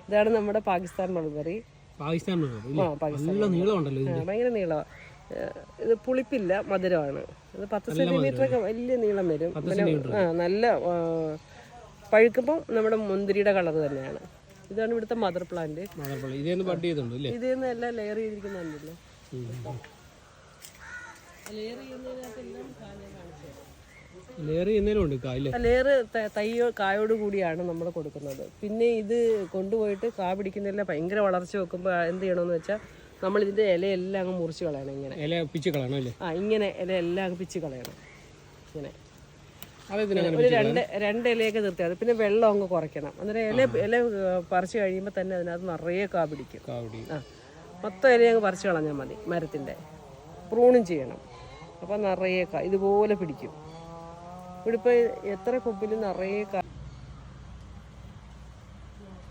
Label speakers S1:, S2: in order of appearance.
S1: ഇതാണ് നമ്മുടെ പാകിസ്ഥാൻ മൾബറി.
S2: പാകിസ്ഥാൻ
S1: ഭയങ്കര നീളമാണ്. ഇത് പുളിപ്പില്ല, മധുരമാണ്. ഇത് 10 സെന്റിമീറ്റർ ഒക്കെ വലിയ നീളം വരും. പിന്നെ നല്ല പഴുക്കുമ്പോൾ നമ്മുടെ മുന്തിരിയുടെ കളർ തന്നെയാണ്. ഇതാണ് ഇവിടുത്തെ മദർ പ്ലാന്റ്. ഇതേന്ന് എല്ലാം ലെയർ ചെയ്തിരിക്കുന്നുണ്ടല്ലോ. ലെയർ തൈയോ കായോട് കൂടിയാണ് നമ്മൾ കൊടുക്കുന്നത്. പിന്നെ ഇത് കൊണ്ടുപോയിട്ട് കാ പിടിക്കുന്നില്ല, ഭയങ്കര വളർച്ച വെക്കുമ്പോൾ എന്ത് ചെയ്യണമെന്ന് വെച്ചാൽ നമ്മൾ ഇതിന്റെ ഇലയെല്ലാം അങ്ങ് മുറിച്ച് കളയണം. ഇങ്ങനെ ഇങ്ങനെ ഇലയെല്ലാം അങ്ങ് പിച്ച് കളയണം. ഇങ്ങനെ ഒരു രണ്ട് ഇലയൊക്കെ നിർത്തിയാൽ. പിന്നെ വെള്ളം അങ്ങ് കുറയ്ക്കണം. അന്നേരം ഇല പറിച്ചു കഴിയുമ്പോൾ തന്നെ അതിനകത്ത് നിറയെ കാ പിടിക്കും. മൊത്തം ഇല അങ്ങ് പറിച്ചു കളഞ്ഞാൽ മതി. മരത്തിന്റെ പ്രൂണും ചെയ്യണം. അപ്പം നിറയെ കാ ഇതുപോലെ പിടിക്കും. ഇവിടെ ഇപ്പോൾ എത്ര കൊമ്പിൽ നിറയെ കാ